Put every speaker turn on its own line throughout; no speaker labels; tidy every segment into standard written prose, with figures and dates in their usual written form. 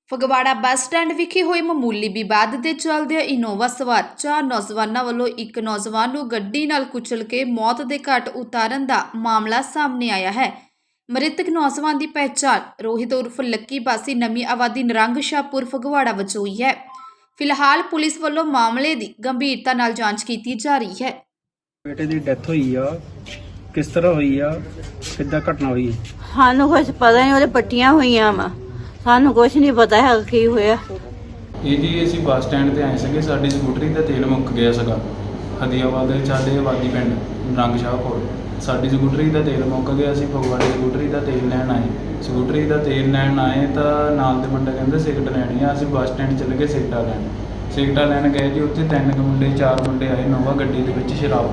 Phagwara bus stand ਵਿਖੇ ਹੋਏ ਮਾਮੂਲੀ ਵਿਵਾਦ ਦੇ ਚੱਲਦਿਆਂ ਇਨੋਵਾ ਸਵਾਰ 4 ਨੌਜਵਾਨਾਂ ਵੱਲੋਂ ਇੱਕ ਨੌਜਵਾਨ ਨੂੰ ਗੱਡੀ ਨਾਲ ਕੁਚਲ ਕੇ ਮੌਤ ਦੇ ਘਾਟ ਉਤਾਰਨ ਦਾ ਮਾਮਲਾ ਸਾਹਮਣੇ ਆਇਆ ਹੈ। ਮ੍ਰਿਤਕ ਨੌਜਵਾਨ ਦੀ ਪਹਿਚਾਣ ਰੋਹਿਤ ਉਰਫ ਲੱਕੀ ਵਾਸੀ ਨਵੀਂ ਆਬਾਦੀ ਨਰੰਗ ਸ਼ਾਹਪੁਰ ਫਗਵਾੜਾ ਵਜੋਂ ਹੋਈ ਹੈ। ਫਿਲਹਾਲ ਪੁਲਿਸ ਵੱਲੋਂ ਮਾਮਲੇ ਦੀ ਗੰਭੀਰਤਾ ਨਾਲ ਜਾਂਚ ਕੀਤੀ ਜਾ ਰਹੀ ਹੈ।
बेटे की डेथ हुई आ, किस तरह हुई आ, किद्दां घटना हुई?
ਸਾਨੂੰ ਕੁਛ ਪਤਾ ਨਹੀਂ, ਉਹਦੇ ਪੱਟੀਆਂ ਹੋਈਆਂ ਵਾ, ਸਾਨੂੰ ਕੁਛ ਨਹੀਂ ਪਤਾ ਹੈ ਕੀ ਹੋਇਆ।
ਇਹ ਜੀ ਅਸੀਂ ਬੱਸ ਸਟੈਂਡ ਤੇ ਆਏ ਸੀਗੇ। ਸਾਡੀ ਸਕੂਟਰੀ ਦਾ ਤੇਲ ਮੁੱਕ ਗਿਆ ਸੀਗਾ। ਹਦੀਆਬਾਦ ਦੇ ਸਾਡੇ ਆਬਾਦੀ ਪਿੰਡ ਨਰੰਗ ਸ਼ਾਹਪੁਰ ਸਾਡੀ ਸਕੂਟਰੀ ਦਾ ਤੇਲ ਮੁੱਕ ਗਿਆ। ਅਸੀਂ ਫਗਵਾੜੇ ਸਕੂਟਰੀ ਦਾ ਤੇਲ ਲੈਣ ਆਏ। ਸਕੂਟਰੀ ਦਾ ਤੇਲ ਲੈਣ ਆਏ ਤਾਂ ਨਾਲ ਦੇ ਮੁੰਡੇ ਕਹਿੰਦੇ ਸਿਗਰਟ ਲੈਣੀ ਆ। ਅਸੀਂ ਬੱਸ ਸਟੈਂਡ ਚਲੇ ਗਏ ਸਿਗਰਟਾਂ ਲੈਣ। ਸਿਗਰਟਾਂ ਲੈਣ ਗਏ ਜੀ। ਉੱਥੇ 3 ਮੁੰਡੇ 4 ਮੁੰਡੇ ਆਏ ਨੋਵਾ ਗੱਡੀ ਦੇ ਵਿੱਚ ਸ਼ਰਾਬ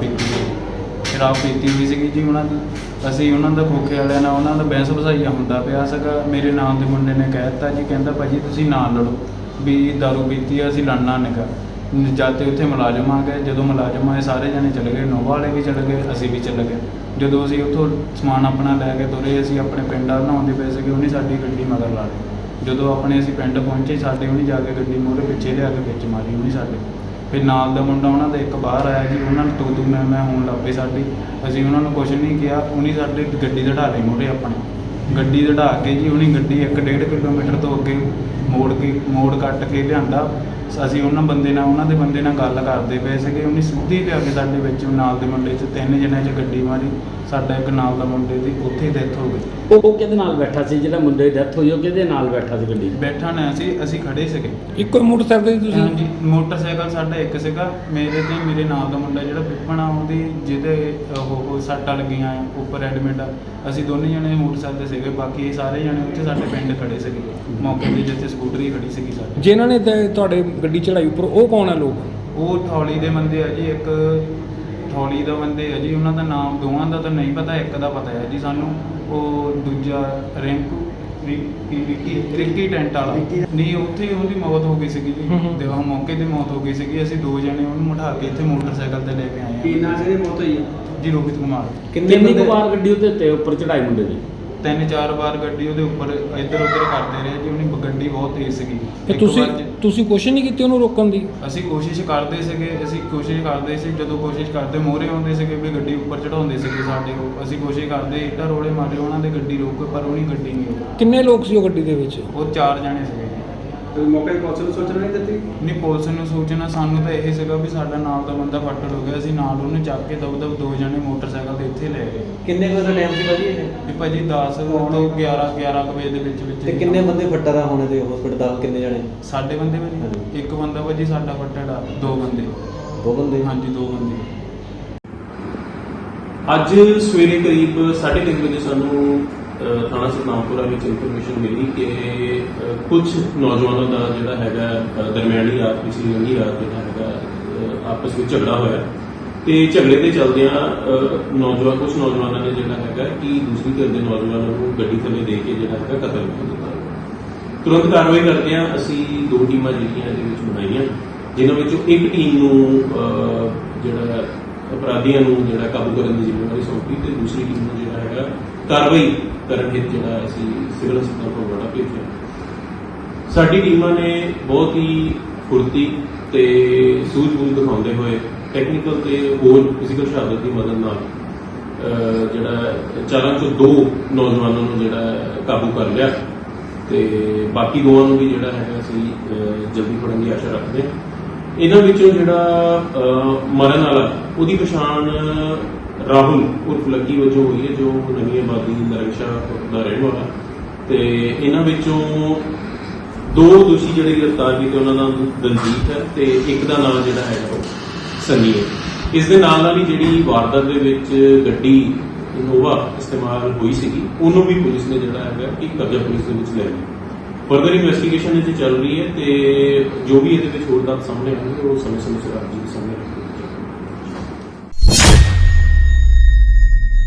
ਪੀਤੀ ਹੋਈ ਸੀਗੀ ਜੀ ਉਹਨਾਂ ਦੀ। ਅਸੀਂ ਉਹਨਾਂ ਦਾ ਖੋਖੇ ਵਾਲਿਆਂ ਨਾਲ ਉਹਨਾਂ ਦਾ ਬਹਿਸ ਵਸਾਈਆ ਹੁੰਦਾ ਪਿਆ ਸੀਗਾ। ਮੇਰੇ ਨਾਲ ਦੇ ਮੁੰਡੇ ਨੇ ਕਹਿ ਦਿੱਤਾ ਜੀ, ਕਹਿੰਦਾ ਭਾਜੀ ਤੁਸੀਂ ਨਾ ਲੜੋ, ਵੀ ਦਾਰੂ ਪੀਤੀ ਆ, ਅਸੀਂ ਲੜਨਾ ਨਿਕਾ। ਜਦ ਤੇ ਉੱਥੇ ਮੁਲਾਜ਼ਮ ਆ ਗਏ। ਜਦੋਂ ਮੁਲਾਜ਼ਮ ਆਏ ਸਾਰੇ ਜਣੇ ਚਲੇ ਗਏ, ਨੋਵਾ ਵਾਲੇ ਵੀ ਚਲੇ ਗਏ, ਅਸੀਂ ਵੀ ਚਲੇ ਗਏ। ਜਦੋਂ ਅਸੀਂ ਉੱਥੋਂ ਸਮਾਨ ਆਪਣਾ ਲੈ ਕੇ ਤੁਰੇ, ਅਸੀਂ ਆਪਣੇ ਪਿੰਡ ਵੱਲ ਆਉਂਦੇ ਪਏ ਸੀਗੇ, ਉਹਨੇ ਸਾਡੀ ਗੱਡੀ ਮਗਰ ਲਾ ਲਈ। ਜਦੋਂ ਆਪਣੇ ਅਸੀਂ ਪਿੰਡ ਪਹੁੰਚੇ, ਸਾਡੇ ਉਹਨੇ ਜਾ ਕੇ ਗੱਡੀ ਮੋਹਰੇ ਪਿੱਛੇ ਲਿਆ ਕੇ ਵਿੱਚ ਮਾਰੀ ਉਹਨੇ ਸਾਡੇ। ਫਿਰ ਨਾਲ ਦਾ ਮੁੰਡਾ ਉਹਨਾਂ ਦਾ ਇੱਕ ਬਾਹਰ ਆਇਆ ਜੀ, ਉਹਨਾਂ ਨੂੰ ਤੂੰ ਮੈਂ ਹੋਣ ਲੱਗ ਪਈ ਸਾਡੀ। ਅਸੀਂ ਉਹਨਾਂ ਨੂੰ ਕੁਛ ਨਹੀਂ ਕਿਹਾ। ਉਹਨੇ ਸਾਡੇ ਗੱਡੀ ਦੜਾ ਲਈ ਮੋਹਰੇ ਆਪਣੀ ਗੱਡੀ ਦੜਾ ਕੇ ਜੀ। ਉਹਨੇ ਗੱਡੀ 1.5 ਕਿਲੋਮੀਟਰ ਤੋਂ ਅੱਗੇ ਮੋੜ ਕੱਟ ਕੇ ਲਿਆਂਦਾ। ਅਸੀਂ ਉਹਨਾਂ ਦੇ ਬੰਦੇ ਨਾਲ ਗੱਲ ਕਰਦੇ ਪਏ ਸੀਗੇ। ਉਹਨੇ ਸਿੱਧੀ ਲਿਆ ਕੇ ਸਾਡੇ ਵਿੱਚ ਨਾਲ ਦੇ ਮੁੰਡੇ 'ਚ 3 ਜਣਿਆਂ 'ਚ ਗੱਡੀ ਮਾਰੀ। ਸਾਡਾ ਇੱਕ ਨਾਲ ਦਾ ਮੁੰਡੇ ਦੀ ਉੱਥੇ ਡੈਥ ਹੋ ਗਈ।
ਉਹ ਕਿਹਦੇ ਨਾਲ ਬੈਠਾ ਸੀ? ਜਿਹੜਾ ਮੁੰਡੇ ਦੀ ਡੈਥ ਹੋਈ ਉਹ ਕਿਹਦੇ ਨਾਲ ਬੈਠਾ ਸੀ ਗੱਡੀ 'ਚ?
ਬੈਠਾ ਨਾ ਅਸੀਂ ਖੜੇ ਸੀਗੇ।
ਇੱਕੋ ਮੋਟਰਸਾਈਕਲ ਤੁਸੀਂ?
ਹਾਂਜੀ, ਮੋਟਰਸਾਈਕਲ ਸਾਡਾ ਇੱਕ ਸੀਗਾ। ਮੇਰੇ ਨਾਲ ਦਾ ਮੁੰਡਾ ਜਿਹੜਾ ਪਿੱਪਣਾ, ਉਹਦੀ ਜਿਹਦੇ ਉਹ ਸੱਟਾਂ ਲੱਗੀਆਂ ਆ, ਉੱਪਰ ਐਡਮਿਟ ਆ। ਅਸੀਂ ਦੋਨੇ ਜਣੇ ਮੋਟਰਸਾਈਕਲ ਤੇ ਸੀਗੇ। ਬਾਕੀ ਸਾਰੇ ਜਣੇ ਉੱਥੇ ਸਾਡੇ ਪਿੰਡ ਖੜੇ ਸੀਗੇ ਮੌਕੇ 'ਤੇ, ਜਿੱਥੇ ਸਕੂਟਰੀ ਖੜੀ ਸੀਗੀ ਸਾਡੀ।
ਜਿਨ੍ਹਾਂ ਨੇ ਤੁਹਾਡੇ ਗੱਡੀ ਚੜਾਈ ਉੱਪਰ, ਉਹ ਕੌਣ ਆ ਲੋਕ?
ਉਹ ਥੌਲੀ ਦੇ ਬੰਦੇ ਆ ਜੀ। ਇੱਕ ਥੌਲੀ ਦਾ ਬੰਦੇ ਆ ਜੀ। ਉਹਨਾਂ ਦਾ ਨਾਮ ਦੋਵਾਂ ਦਾ ਤਾਂ ਨਹੀਂ ਪਤਾ, ਇੱਕ ਦਾ ਪਤਾ ਹੈ ਜੀ ਸਾਨੂੰ। ਉਹ ਦੂਜਾ ਰਿੱਕੀ ਟੈਂਟ ਵਾਲਾ ਨਹੀਂ, ਉੱਥੇ ਉਹਦੀ ਮੌਤ ਹੋ ਗਈ ਸੀਗੀ ਜੀ। ਤੇ ਉਹ ਮੌਕੇ ਤੇ ਮੌਤ ਹੋ ਗਈ ਸੀਗੀ। ਅਸੀਂ 2 ਜਣੇ ਉਹਨੂੰ ਉਠਾ ਕੇ ਇੱਥੇ ਮੋਟਰਸਾਈਕਲ ਤੇ ਲੈ ਕੇ ਆਏ
ਕੀ ਨਾਂ ਸੀ ਮੌਤ ਹੋਈ
ਜੀ? ਰੋਹਿਤ ਕੁਮਾਰ।
ਕਿੰਨੀ ਕੁ ਵਾਰ ਗੱਡੀ ਉੱਤੇ ਉੱਪਰ ਚੜਾਈ ਮੁੰਡੇ ਦੀ?
3-4 ਵਾਰ ਗੱਡੀ ਉਹਦੇ ਉੱਪਰ ਇੱਧਰ ਉੱਧਰ ਕਰਦੇ ਰਹੇ ਜੀ। ਉਹਨੇ ਗੱਡੀ ਬਹੁਤ ਤੇਜ਼ ਸੀਗੀ। ਇੱਕ
ਤੁਸੀਂ
ਵਾਰ
ਤੁਸੀਂ ਕੋਸ਼ਿਸ਼ ਨਹੀਂ ਕੀਤੀ ਉਹਨੂੰ ਰੋਕਣ ਦੀ?
ਅਸੀਂ ਕੋਸ਼ਿਸ਼ ਕਰਦੇ ਸੀਗੇ। ਜਦੋਂ ਕੋਸ਼ਿਸ਼ ਕਰਦੇ ਮੋਹਰੇ ਆਉਂਦੇ ਸੀਗੇ ਵੀ ਗੱਡੀ ਉੱਪਰ ਚੜਾਉਂਦੇ ਸੀਗੇ ਸਾਡੇ ਕੋਲ। ਅਸੀਂ ਕੋਸ਼ਿਸ਼ ਕਰਦੇ ਇੱਟਾਂ ਰੋੜੇ ਮਾਰੇ ਉਹਨਾਂ ਦੇ ਗੱਡੀ ਰੋਕ, ਪਰ ਉਹਨੀ ਗੱਡੀ ਨਹੀਂ ਰੋਕੀ।
ਕਿੰਨੇ ਲੋਕ ਸੀ ਉਹ ਗੱਡੀ ਦੇ ਵਿੱਚ?
ਉਹ 4 ਜਣੇ ਸੀਗੇ ਜੀ।
ਮੌਕੇ ਤੇ ਪੁਲਿਸ ਨੂੰ ਸੂਚਨਾ ਨਹੀਂ ਦਿੱਤੀ?
ਨਹੀਂ, ਪੁਲਿਸ ਨੂੰ ਸੂਚਨਾ ਸਾਨੂੰ ਤਾਂ ਇਹ ਸੀਗਾ ਵੀ ਸਾਡਾ ਨਾਲ ਦਾ ਬੰਦਾ ਫੱਟੜ ਹੋ ਗਿਆ। ਅਸੀਂ ਨਾਲ ਉਹਨੂੰ ਚੱਕ ਕੇ ਦਬ 2 ਜਣੇ ਮੋਟਰਸਾਈਕਲ ਤੇ ਇੱਥੇ ਲੈ ਗਏ।
ਕਿੰਨੇ ਵਜੇ ਦਾ ਟਾਈਮ ਸੀ ਭਾਜੀ ਇਹ?
ਵੀ ਭਾਜੀ 10 ਤੋਂ 11 ਕੁ ਵਜੇ ਦੇ ਵਿੱਚ
ਤੇ ਕਿੰਨੇ ਬੰਦੇ ਫੱਟਾ ਦਾ ਹੋਣੇ ਤੇ ਹਸਪੀਟਲ ਦਾ? ਕਿੰਨੇ ਜਣੇ?
ਸਾਡੇ ਬੰਦੇ ਭਾਜੀ ਇੱਕ ਬੰਦਾ ਭਾਜੀ ਸਾਡਾ ਫੱਟੜ ਆ। 2 ਬੰਦੇ।
2 ਬੰਦੇ?
ਹਾਂਜੀ, 2 ਬੰਦੇ।
ਅੱਜ ਸਵੇਰੇ ਕਰੀਬ 3:30 ਵਜੇ ਸਾਨੂੰ ਥਾਣਾ ਸਤਨਾਮਪੁਰਾ ਵਿੱਚ ਇਨਫੋਰਮੇਸ਼ਨ ਮਿਲੀ ਕਿ ਕੁਝ ਨੌਜਵਾਨਾਂ ਦਾ ਜਿਹੜਾ ਹੈਗਾ ਦਰਮਿਆਨੀ ਰਾਤ ਪਿਛਲੀ ਲੰਘੀ ਰਾਤ ਜਿਹੜਾ ਹੈਗਾ ਆਪਸ ਵਿੱਚ ਝਗੜਾ ਹੋਇਆ। ਤੇ ਝਗੜੇ ਦੇ ਚੱਲਦਿਆਂ ਕੁਝ ਨੌਜਵਾਨਾਂ ਨੇ ਜਿਹੜਾ ਹੈਗਾ ਕਿ ਦੂਸਰੀ ਧਿਰ ਦੇ ਨੌਜਵਾਨਾਂ ਨੂੰ ਗੱਡੀ ਥੱਲੇ ਦੇ ਕੇ ਜਿਹੜਾ ਹੈਗਾ ਕਤਲ ਕਰ ਦਿੱਤਾ। ਤੁਰੰਤ ਕਾਰਵਾਈ ਕਰਦਿਆਂ ਅਸੀਂ 2 ਟੀਮਾਂ ਜਿਹੜੀਆਂ ਇਹਦੇ ਵਿੱਚ ਬਣਾਈਆਂ, ਜਿਨ੍ਹਾਂ ਵਿੱਚੋਂ ਇੱਕ ਟੀਮ ਨੂੰ ਜਿਹੜਾ ਅਪਰਾਧੀਆਂ ਨੂੰ ਜਿਹੜਾ ਕਾਬੂ ਕਰਨ ਦੀ ਜ਼ਿੰਮੇਵਾਰੀ ਸੌਂਪੀ ਤੇ ਦੂਸਰੀ ਟੀਮ ਨੂੰ ਜਿਹੜਾ ਹੈਗਾ ਕਾਰਵਾਈ ਕਰਨ ਹਿੱਤ ਜਿਹੜਾ ਅਸੀਂ ਸਿਵਲ ਹਸਪਤਾਲ ਫਗਵਾੜਾ ਭੇਜਿਆ। ਸਾਡੀ ਟੀਮਾਂ ਨੇ ਬਹੁਤ ਹੀ ਫੁਰਤੀ ਤੇ ਸੂਝ-ਬੂਝ ਦਿਖਾਉਂਦੇ ਹੋਏ ਟੈਕਨੀਕਲ ਤੇ ਹੋਰ ਫਿਜ਼ੀਕਲ ਸ਼ਹਾਦਤ ਦੀ ਮਦਦ ਨਾਲ ਜਿਹੜਾ 4 ਚੋਂ 2 ਨੌਜਵਾਨਾਂ ਨੂੰ ਜਿਹੜਾ ਕਾਬੂ ਕਰ ਲਿਆ ਤੇ ਬਾਕੀ 2 ਨੂੰ ਵੀ ਜਿਹੜਾ ਹੈਗਾ ਅਸੀਂ ਜਲਦੀ ਫੜਨ ਦੀ ਆਸ਼ਾ ਰੱਖਦੇ ਹਾਂ। ਇਹਨਾਂ ਵਿੱਚੋਂ ਜਿਹੜਾ ਮਰਨ ਵਾਲਾ, ਉਹਦੀ ਪਛਾਣ ਰਾਹੁਲ ਉਰਫ ਲੱਕੀ ਵਜੋਂ ਹੋਈ ਹੈ, ਜੋ ਨਵੀਂ ਆਬਾਦੀ ਨਰੰਗ ਸ਼ਾਹਪੁਰ ਦਾ ਰਹਿਣ ਵਾਲਾ। ਤੇ ਇਹਨਾਂ ਵਿੱਚੋਂ 2 ਦੋਸ਼ੀ ਜਿਹੜੇ ਗ੍ਰਿਫਤਾਰ ਕੀਤੇ, ਉਹਨਾਂ ਦਾ ਦਲਜੀਤ ਹੈ ਤੇ ਇੱਕ ਦਾ ਨਾਮ ਜਿਹੜਾ ਹੈਗਾ ਉਹ ਸੰਨੀ ਹੈ। ਇਸ ਦੇ ਨਾਲ ਹੀ ਜਿਹੜੀ ਵਾਰਦਾਤ ਦੇ ਵਿੱਚ ਗੱਡੀ ਇਨੋਵਾ ਇਸਤੇਮਾਲ ਹੋਈ ਸੀਗੀ, ਉਹਨੂੰ ਵੀ ਪੁਲਿਸ ਨੇ ਜਿਹੜਾ ਹੈਗਾ ਕਿ ਕਬਜ਼ਾ ਪੁਲਿਸ ਦੇ ਵਿੱਚ ਲੈ ਲਿਆ। ਫਰਦਰ ਇਨਵੈਸਟੀਗੇਸ਼ਨ ਇਹਦੀ ਚੱਲ ਰਹੀ ਹੈ ਤੇ ਜੋ ਵੀ ਇਹਦੇ ਵਿੱਚ ਹੋਰ ਤੱਥ ਸਾਹਮਣੇ ਆਉਣਗੇ ਉਹ ਸਮੇਂ ਸਿਰ ਆਪ ਜੀ ਦੇ ਸਾਹਮਣੇ ਰੱਖਾਂਗੇ।